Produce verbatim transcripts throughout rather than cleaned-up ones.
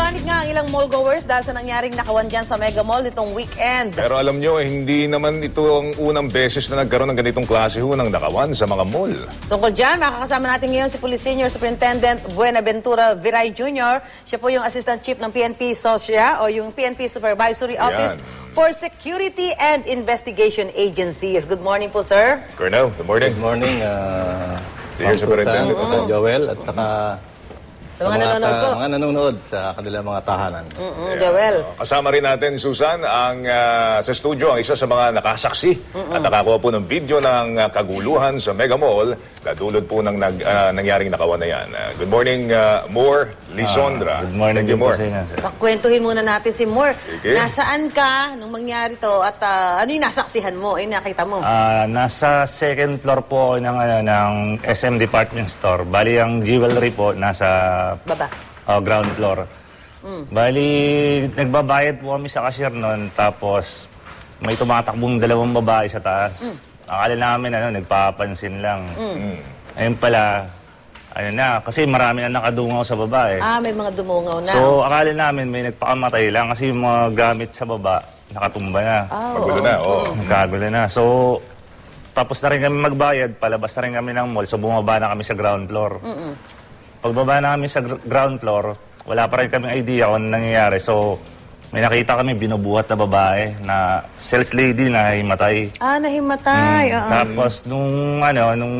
Nagpanik nga ang ilang mall goers dahil sa nangyaring nakawan dyan sa Mega Mall nitong weekend. Pero alam nyo, hindi naman ito ang unang beses na nagkaroon ng ganitong klase ho ng nakawan sa mga mall. Tungkol dyan, makakasama natin ngayon si Police Senior Superintendent Buenaventura Viray Junior Siya po yung Assistant Chief ng P N P SOSYA o yung P N P Supervisory Office Yan. for Security and Investigation Agencies. Good morning po, sir. Colonel, good morning. Good morning, uh, Senior Superintendent. Susan, mm-hmm. Joel, at saka sa mga, mga nanonood po. Mga nanonood sa kanilang mga tahanan. Mm-mm, Joel. Kasama rin natin, Susan, ang uh, sa studio, ang isa sa mga nakasaksi Mm-mm. at nakakuha po ng video ng uh, kaguluhan sa Mega Mall na dulot po ng nag, uh, nangyaring nakawan na yan. Uh, good morning, uh, Moore Lisondra. Uh, good morning, Thank you, Moore. Kwentuhin muna natin si Moore. Sige. Nasaan ka nung mangyari to at uh, ano yung nasaksihan mo, yung nakita mo? Uh, nasa second floor po ng, ano, ng S M Department Store. Bali, ang jewelry po nasa Baba. Uh, ground floor. Mm. Bali, nagbabayad po kami sa cashier noon, tapos may tumatakbong dalawang babae sa taas. Mm. Akala namin, ano, nagpapansin lang. Mm. Ayun pala, ano na, kasi marami na nakadungaw sa baba eh. Ah, may mga dumungaw na. So, akala namin may nagpakamatay lang kasi yung mga gamit sa baba, nakatumba na. Oh, Kagulo na, oo. Oh. Kagulo na. So, tapos na rin kami magbayad, palabas na rin kami ng mall, so bumaba na kami sa ground floor. Mm-mm. Pagbaba na kami sa gr ground floor, wala pa rin kaming idea kung ano nangyayari. So, may nakita kami binubuhat na babae na sales lady na himatay. Ah, nahimatay. Mm. Uh -uh. Tapos, nung ano, nung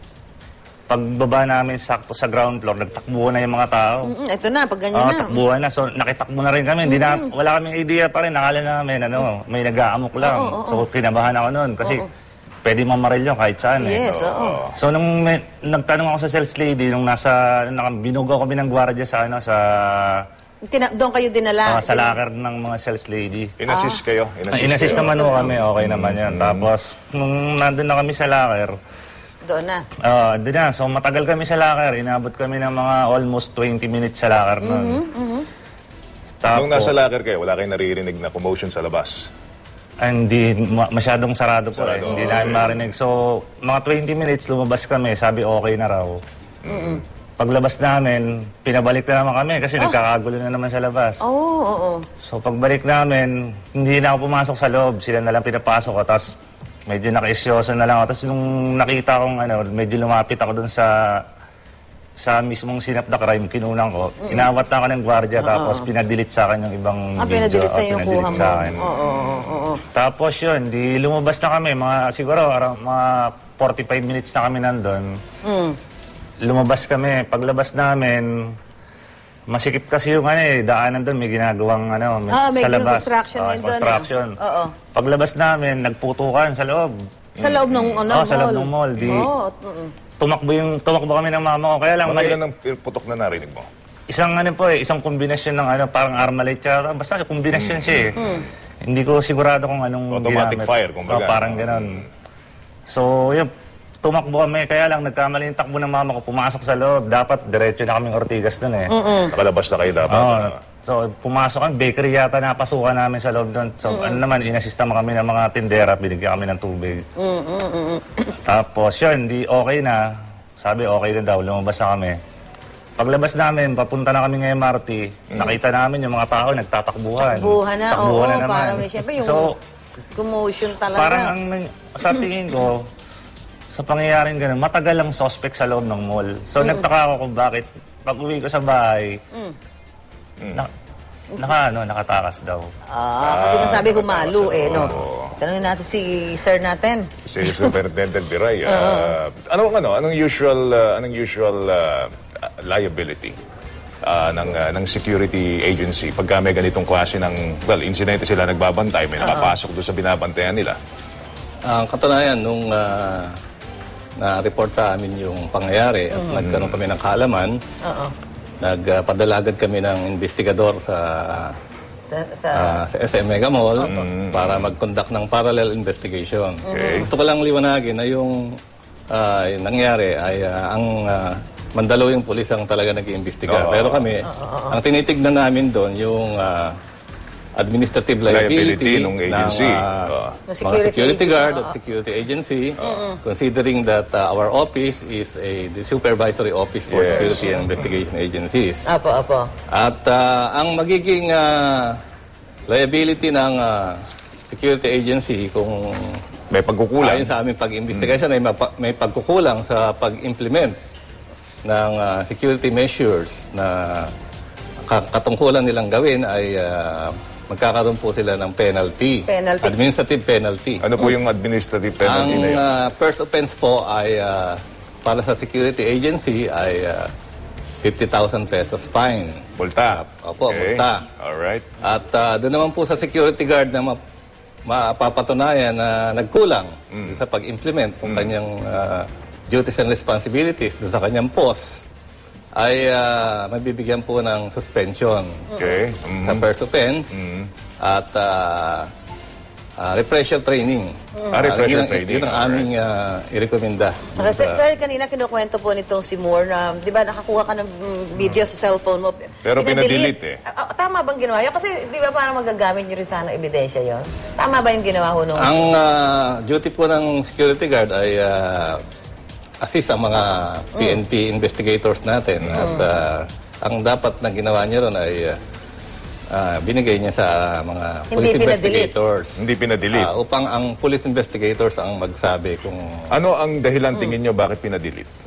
pagbaba namin sakto sa ground floor, nagtakbuhan na yung mga tao. Mm -mm, ito na, pag ganyan uh, na. Takbuhan na. So, nakitakbo na rin kami. Hindi mm -hmm. na, wala kaming idea pa rin. Nakala namin, ano, may nag-aamok lang. Oh, oh, oh. So, kinabahan ako noon kasi oh, oh. pwede mamaril yun kahit saan. Yes, eh. oo. So, nung may, nagtanong ako sa sales lady, nung nasa, binugaw kami ng gwardiya sa, ano, sa... Tina doon kayo dinala? Uh, sa locker ng mga sales lady. Inassist ah. kayo? Inassist, Inassist naman ho kami, okay mm. naman yan. Tapos, nung nandun na kami sa locker, doon na? Oo, uh, doon na. So, matagal kami sa locker. Inabot kami ng mga almost twenty minutes sa locker nun. Mm-hmm, mm-hmm. Tapos, nung nasa locker kayo, wala kayong naririnig na commotion sa labas? Hindi, masyadong sarado po sarado, eh. Hindi okay. namin marinig. So, mga twenty minutes, lumabas kami. Sabi, okay na raw. Mm-hmm. Paglabas namin, pinabalik na naman kami kasi oh. nagkakagulo na naman sa labas. Oo, oh, oo, oh, oh. So, pagbalik namin, hindi na ako pumasok sa loob. Sila na lang pinapasok ko. Tapos, medyo naka-isyoso na lang ako. Tapos, nung nakita kong, ano, medyo lumapit ako dun sa sa mismong sinap na crime, kinunan ko. Mm-hmm. Inawat na ako ng gwardiya, uh -oh. tapos pinadelete sa akin yung ibang ah, video. Pinadelete sa yung kuha mo. Sa akin. Oo, oo, oo. Tapos yun, di lumabas na kami. Mga, siguro, mga forty-five minutes na kami nandun. Mm. Lumabas kami. Paglabas namin, masikip kasi yung ano eh, daanan doon, may ginagawang ano, may, ah, may sa labas. construction uh, doon. Construction. Oo. Paglabas namin, nagputukan sa loob. Sa loob ng ano, oh, mall? sa loob ng mall. Di, oh, uh -uh. Tumakbo yung tumakbo kami ng mama ko. Kaya lang mali. Ano ng putok na narinig mo? Isang ano po eh, isang kombinasyon ng ano, parang Armalite tsaka basta kombinasyon mm. siya eh. Mm. Hindi ko sigurado kung anong automatic ginamit. fire kumbaga. Oh, parang ganoon. Mm. So, yun, tumakbo kami, kaya lang nagkamali yung takbo ng mama ko, pumasok sa loob. Dapat diretso na kaming Ortigas doon eh. Mm -mm. Nakalabas na kayo dapat. Oh, so, pumasok kami, bakery yata napasukan namin sa loob doon. So, mm -mm. ano naman, inasista mo kami ng mga tindera, binigyan kami ng tubig. Mm -mm. Tapos, yun, di okay na. Sabi, okay na daw, lumabas na kami. Paglabas namin, papunta na kami ng M R T, mm. nakita namin yung mga tao nagtatakbuhan. Takbuhan na, Takbuhan oo, na naman. parang may siyempre yung so, commotion talaga. Parang ang, sa tingin ko, sa pangyayaring ganun, matagal ang suspect sa loob ng mall. So, mm. nagtaka ako kung bakit, pag uwi ko sa bahay, mm. na, naka, ano, nakatakas daw. Ah, kasi nasabi humalo eh, no? Tanungin natin si sir natin. Si Superintendent Viray. Uh, uh, anong ano, anong usual uh, anong usual uh, liability uh, ng uh, ng security agency pagka may ganitong klase ng well, insidente sila nagbabantay, may nakapasok doon sa binabantayan nila? Ang uh, katunayan nung uh, na-report sa amin yung pangyayari at mm. nagkaroon kami ng kaalaman. Oo. Nagpadala agad kami ng investigador sa sa, uh, sa S M Mega Mall mm. para mag-conduct ng parallel investigation. Okay. Gusto ko lang liwanagin na yung, uh, yung nangyari ay uh, ang uh, Mandaluyong pulis ang talaga nag-iimbestiga. Oh. Pero kami, oh. ang tinitignan namin doon yung uh, administrative Liability liability, ng agency. ng, ah, Oo. mga Security security agency, guard oo. at security agency, considering that uh, our office is a the supervisory office for Yes. security and investigation agencies. Apo, apo. At ah, ang magiging ah, liability ng ah, security agency kung May pagkukulang. ayon sa aming pag-investigation ay mapa- may pagkukulang sa pag-implement ng ah, security measures na ka- katungkulan nilang gawin ay ah, magkakaroon po sila ng penalty. Penalty. Administrative penalty. Ano po yung administrative penalty na Ang yun? ah, first offense po ay ah, para sa security agency ay ah, fifty thousand pesos fine. Multa. Opo, multa. Alright. At ah, doon naman po sa security guard na ma- mapapatunayan na nagkulang sa pag-implement ng kanyang ah, duties and responsibilities doon sa kanyang post ay ah, mabibigyan po ng suspension Okay. Mhm. sa first offense at ah, ah, refresher training. Ah, refresher yun ang, training. Yun ang aming uh, irekomenda. Saka, sir, sir, kanina kinukwento po nitong si Moore na, di ba, nakakuha ka ng mm, video sa cellphone mo. Pero pinadelete eh. Ah, ah, tama bang ginawa yun? Kasi, di ba, parang magagamit nyo rin sana ebidensya yon. Tama ba yung ginawa ho nung... Ang ah, duty po ng security guard ay ah, assist ang mga P N P investigators natin. At ah, ang dapat na ginawa niya ron ay ah, ah, binigay niya sa mga Hindi police pinadelete. investigators. Hindi pinadelete. Ah, upang ang police investigators ang magsabi kung Ano ang dahilan tingin nyo bakit pinadelete?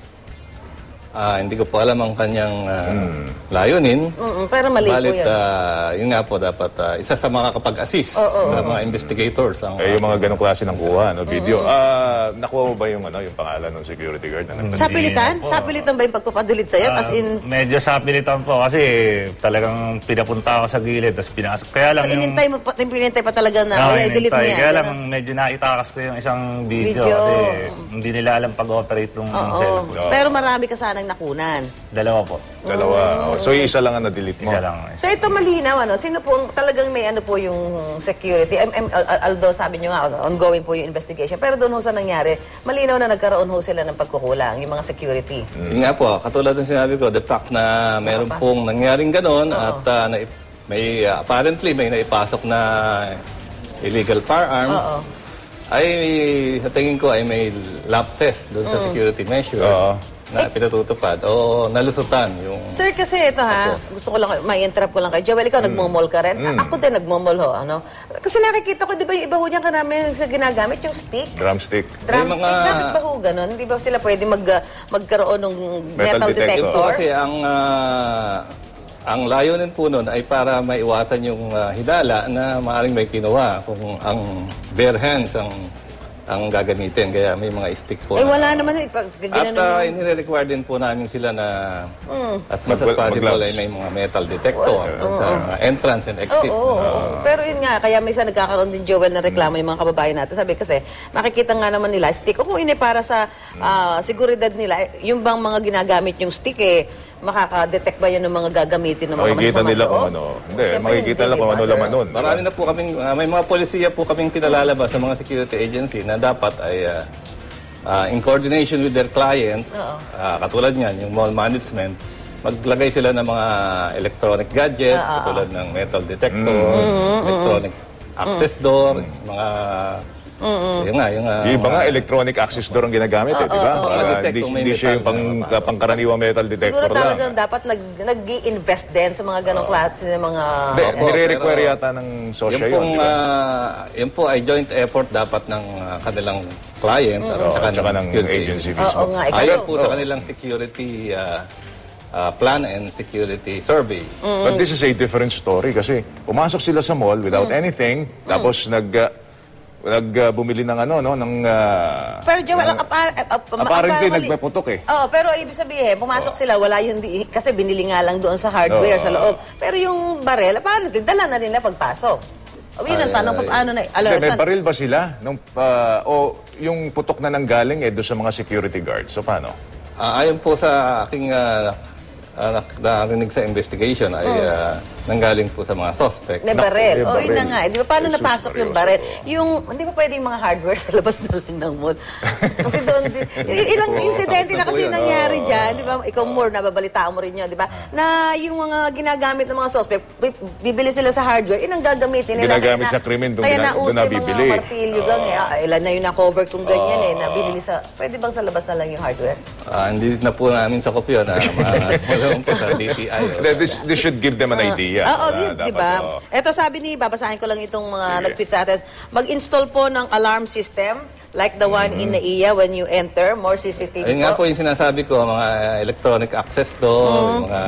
ah, hindi ko po alam ang kanyang ah, layunin. Mm-mm, pero mali po Balit, yun. ah, yun nga po, dapat ah, isa sa mga kapag-assist sa mga investigators. Ang, Eh, yung mga ganong klase ng kuha, no, video. Ah, nakuha mo ba yung, ano, yung pangalan ng security guard? Na nagpa- Sa pilitan? po. Sa pilitan ba yung pagpapadelete sa'yo? As in, Ah, medyo sapilitan po kasi talagang pinapunta ako sa gilid tapos pinasok. Kaya lang yung... inintay mo pa, pinintay pa talaga na, Ah, ay, delete mo inintay. yan. Kaya lang ganun. medyo naitakas ko yung isang video, Video. kasi hindi nila alam pag-operate ng Oo. cellphone. Pero marami ka sanang nakunan. Dalawa po. Dalawa. Oh, so, isa lang ang na-delete mo. Isa lang. So ito malinaw, ano? Sino po ang talagang may ano po yung security? Em- em- al- al- although sabi nyo nga, ongoing po yung investigation. Pero doon ho sa nangyari, malinaw na nagkaroon ho sila ng pagkukulang, yung mga security. Yun nga po, katulad ng sinabi ko, the fact na meron pong nangyaring ganon at ah, na, may ah, apparently may naipasok na illegal firearms, Oo. ay sa tingin ko ay may lapses doon sa security measures Oo. na pinatutupad o nalusutan yung... Sir, kasi ito ha, gusto ko lang, may interrupt ko lang kay Joel. Ikaw, nagmomall ka rin. A- Ako din nagmomall ho, ano? Kasi nakikita ko, di ba yung iba ho niyan karami sa ginagamit, yung stick? Drumstick. Drumstick, mga- bakit ba ho ganun? Di ba sila pwede mag, uh, magkaroon ng Metal metal, detector. Yun detector? po kasi ang ah, ang layunin po nun ay para maiwasan yung ah, hidala na maaaring may kinuha kung ang bare hands ang ang gagamitin. Kaya may mga stick po. Eh, na- wala naman. Eh, pag, At ginanon uh, yung- inire-require din po namin sila na as much as Mag- possible mag-gloves. ay may mga metal detector sa mga entrance and exit. Oo, oo. Pero yun nga, kaya minsan nagkakaroon din Joel na reklamo yung mga kababayan natin. Sabi kasi, makikita nga naman nila, stick. O kung ini para sa ah, seguridad nila, eh, yung bang mga ginagamit yung stick, eh, makaka-detect ba yan ng mga gagamitin ng mga Makikita masasamang nila kung loob? ano. Hindi, Siyempre, makikita hindi, nila kung di ano ba, laman sir? nun. Marami na po kaming, ah, may mga polisiya po kaming pinalalabas sa mga security agency na dapat ay ah, ah, in coordination with their client, ah, katulad niyan, yung mall management, maglagay sila ng mga electronic gadgets, katulad ng metal detector, electronic access door, mga... Yung nga, yung... ah, Yung iba nga, mga- electronic access door ang ginagamit eh, di ba? oo. Para Ma-detect hindi, kung may hindi siya yung metal pang, na napasok. pangkaraniwang metal detector Siguro lang. talagang dapat nag, nag-i-invest din sa mga ganong klase ng mga... Hindi, Opo, nire-require pero- yata ng Yung sosya yun, pong, di ba? ah, yun po ay joint effort dapat ng ah, kanilang client at Oo, saka tsaka ng ng security agency Oo mismo. nga, ikaw. Ayon po sa kanilang security ah, ah, plan and security survey. But this is a different story kasi pumasok sila sa mall without anything, tapos nag... ah, nag ah, bumili ng ano, no, ng... ah, Pero Joel, ang apar- uh, uh, apparently, apparently- nagpaputok eh. Oo, pero ibig sabihin, pumasok sila, wala yung, di, kasi binili nga lang doon sa hardware, Oo. sa loob. Pero yung barel, apparently, dala na nila pagpasok. O yun ang Ay, tanong, ay. paano na, alam, Hindi, may saan- baril ba sila? Nung, ah, o yung putok na nanggaling eh doon sa mga security guards. So paano? Ah, ayon po sa aking ah, ah, nak- narinig sa investigation ay ah, nanggaling po sa mga suspect. Na barel. Naku, O, may yun na barel. nga. eh. Di ba, paano Jesus napasok yung Maria, barel? oo. Yung, hindi ba pwedeng mga hardware sa labas na lang ng mall? Kasi doon, di- i- ilang Oo, insidente takot na na po kasi yun. nangyari Oo. dyan. Di ba, ikaw more, nababalitaan mo rin yun, di ba? Na yung mga ginagamit ng mga suspect, bi- bibili sila sa hardware, inang gagamitin nila. Ginagamit Kaya sa krimen, doon Kaya gina- nauso doon yung nabibili. mga martilyo gang eh. Ah, ilan na yung na-cover kung ganyan eh, Oo. nabibili sa, pwede bang sa labas na lang yung hardware? Ah, hindi na po namin sa kopyo na magkaroon po sa D T I. o Hindi, This, this should give them an idea. Oo, na di, dapat, di ba? oo. Ito sabi ni, babasahin ko lang itong mga Sige. nag-tweet sa atin. Mag-install po ng alarm system like the one in Naiya when you enter. More C C T V Ayun nga po yung sinasabi ko, mga electronic access door, mga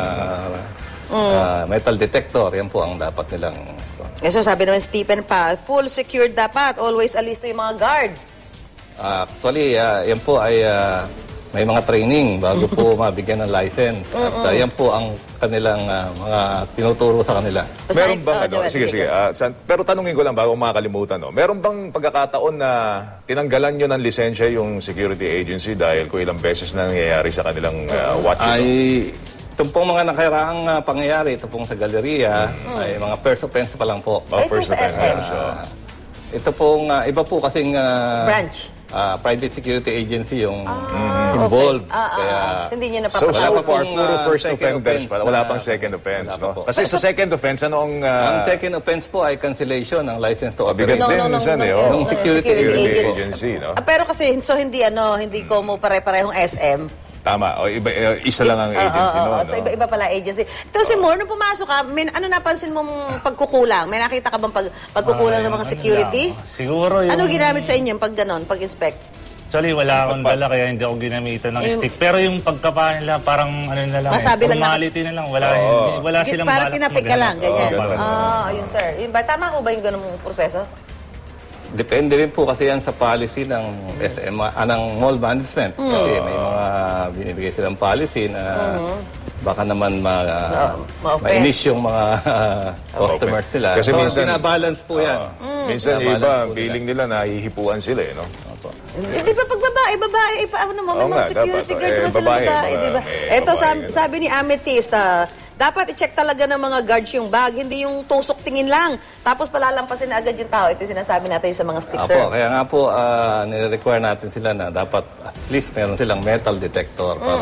ah, metal detector, yan po ang dapat nilang... Eh, so sabi naman Stephen pa, full secured dapat. Always alisto yung mga guard. Ah, actually, ah, yan po ay ah, may mga training bago po mabigyan ng license. At ah, yan po ang kanilang ah, mga tinuturo sa kanila. Meron bang, oh, ano, Joel, sige, sige, ah, san- pero tanungin ko lang bago makakalimutan, no? Meron bang pagkakataon na tinanggalan nyo ng lisensya yung security agency dahil kung ilang beses na nangyayari sa kanilang uh, watch Ay, ito? ito pong mga nakaraang ah, pangyayari, ito pong sa galeria, ay mga first offense pa lang po. Mga Ito first sa offense S M. na siya. Ah, ito pong, ah, iba po kasing ah, Branch. ah, private security agency yung involved. Ah, ah, Kaya, ah. Hindi nyo So, napapasok. so Wala pa far, pong, puro ah, first second offenders offense pa. Wala na- pang second offense, Wala pa no? po. Kasi sa second offense, anong... ang Uh, second offense po ay cancellation ng license to bigat operate. No, din, no, no, minsan no, eh, no, oh. Nung security security agent. agency, no? Ah, pero kasi, so hindi ano, hindi ko mo pare-parehong S M. Tama. O, iba, eh, isa lang ang agency, Oo, no? oo, no? so iba-iba pala agency. Ito si Moore, nung pumasok ka, may, ano napansin mong pagkukulang? May nakita ka bang pag, pagkukulang ng mga Ano security? lang, siguro yung... Ano ginamit sa inyo pag ganon, pag-inspect? Actually, wala akong dala kaya hindi ako ginamitan ng Yung- stick. Pero yung pagkapahan nila, parang ano na lang, Masabi eh, lang na- formality na lang. Wala, Oo. hindi, wala silang Parang balak tinapik ka maghanap. lang, ganyan. Oo, ganun. Ah, yun sir. Yun ba, tama ko ba yung ganung proseso? Depende rin po kasi yan sa policy ng S M, ah, ng mall management. Kasi may mga binibigay silang policy na baka naman ma, ma-offend. mainis yung mga customers nila. Kasi so, minsan- binabalance po yan. Minsan yung Binabalance iba, po ang nila. feeling nila nahihipuan sila, eh, no? Opo. Eh, di ba pag babae, babae, eh, paano mo, may Oo mga nga, security dapat. guard Eh, naman sila babae, babae, mga- di ba? may Eto, babae, sabi, ganun. sabi ni Amethyst, ah, dapat i-check talaga ng mga guards yung bag, hindi yung tusok tingin lang. Tapos palalampasin na agad yung tao. Ito yung sinasabi natin sa mga stick, sir. Apo, kaya nga po, ah, nire-require natin sila na dapat at least meron silang metal detector para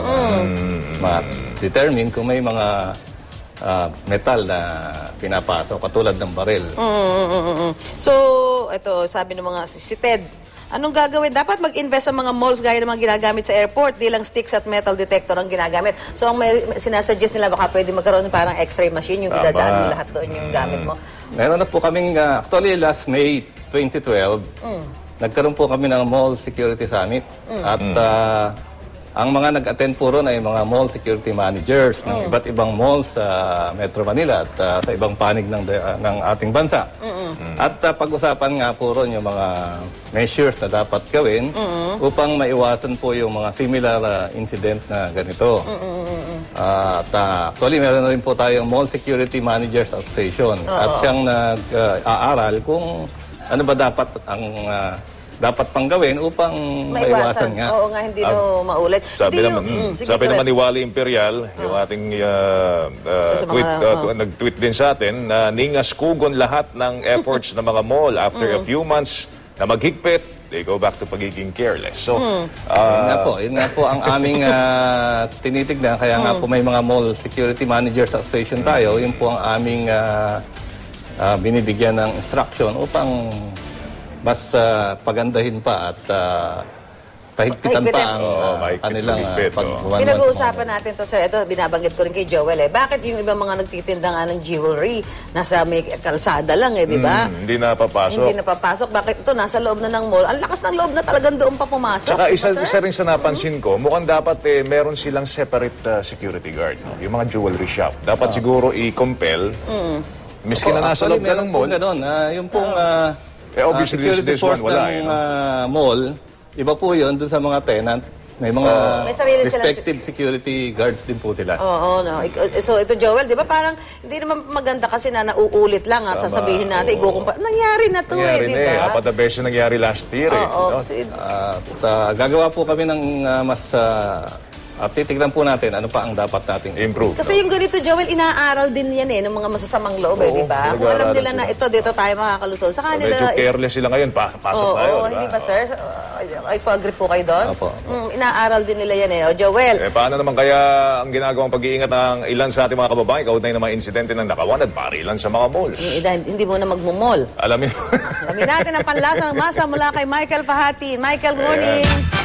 ma-determine kung may mga ah, metal na pinapasok, katulad ng baril. Mm, mm, mm, mm, mm. So, ito, sabi ng mga si si Ted, anong gagawin? Dapat mag-invest sa mga malls gaya ng mga ginagamit sa airport, di lang sticks at metal detector ang ginagamit. So, ang may, sinasuggest nila baka pwede magkaroon ng parang x-ray machine, yung Tama. idadaan mo lahat doon yung gamit mo. Meron na po kaming, ah, actually last May twenty twelve, nagkaroon po kami ng Mall Security Summit. At ah, ang mga nag-attend po ron ay mga mall security managers ng iba't ibang malls sa Metro Manila at ah, sa ibang panig ng, ah, ng ating bansa. At ah, pag-usapan nga po ron yung mga measures na dapat gawin upang maiwasan po yung mga similar ah, incident na ganito. Ah, at ah, actually, meron na rin po tayong Mall Security Managers Association at siyang nag-aaral kung ano ba dapat ang ah, dapat pang gawin upang maiwasan nga. Oo nga, hindi no maulit. Sabi Hindi naman, yung- mm, mm, sige, sabi go naman ni ahead. Wally Imperial, yung ating uh, uh, Sa mga- tweet, uh, oh. tu- nag-tweet din sa atin na ningaskugon lahat ng efforts ng mga mall after Mm. a few months na maghigpit, they go back to pagiging careless. So, Mm. uh, Yun nga po, yun nga po ang aming ah, tinitignan. Kaya nga po may mga Mall Security Managers Association tayo. Yun po ang aming ah, ah, binibigyan ng instruction upang mas ah, pagandahin pa at ah, pahigpitan pa Pahigpitan. ang Oo, ah, mahigpit, kanilang ah, mahigpit, oo. pagbuwan. Pinag-uusapan natin to, sir. Ito, binabanggit ko rin kay Joel eh. Bakit yung ibang mga nagtitinda nga ng jewelry, nasa may kalsada lang eh, di ba? mm, hindi na papasok. Hindi napapasok. Bakit ito? Nasa loob na ng mall. Ang lakas ng loob na talagang doon pa pumasok. Saka di ba, isa, sir? isa rin sa napansin ko, mukhang dapat eh, meron silang separate uh, security guard. No? Yung mga jewelry shop. Dapat siguro i-compel, miski na nasa loob na ng mall. Ganun, ah, yung pong ah, Eh, obviously, ah, this- security this force one, wala, ng eh, no? ah, mall, iba po yun dun sa mga tenant. May mga May sarili silang- respective security guards din po sila. Oo, no. Ik- So ito Joel, 'di ba parang hindi naman maganda kasi na nauulit lang at Tama, sasabihin natin, oo. igukumpa. Nangyari na 'to Nangyari eh, 'di na eh. ba? Apat na beses nangyari last year eh. Oo, no? kasi Ah, at, ah, gagawa po kami ng ah, mas ah, At titignan po natin ano pa ang dapat nating Improve. Kasi yung ganito, Joel, inaaral din yan eh, ng mga masasamang loob eh, Oo, di ba? Kung alam pinag-aaralan nila na sila. ito, dito tayo makakalusot. Saka So, nila... medyo careless sila ngayon. Pa pasok Oo, tayo, oo, di ba? hindi ba, sir? Uh, Ay, po-agree po kayo doon? Opo, opo. Mm, inaaral din nila yan eh. O, Joel, Eh, paano naman kaya ang ginagawang pag-iingat ng ilan sa ating mga kababayan kaugnay ng mga insidente ng nakawan at barilan sa mga malls? yung ida, hindi mo na magmumol. Alam niyo, Alamin natin ang panlasa ng masa mula kay Michael Pahati. Michael, good morning.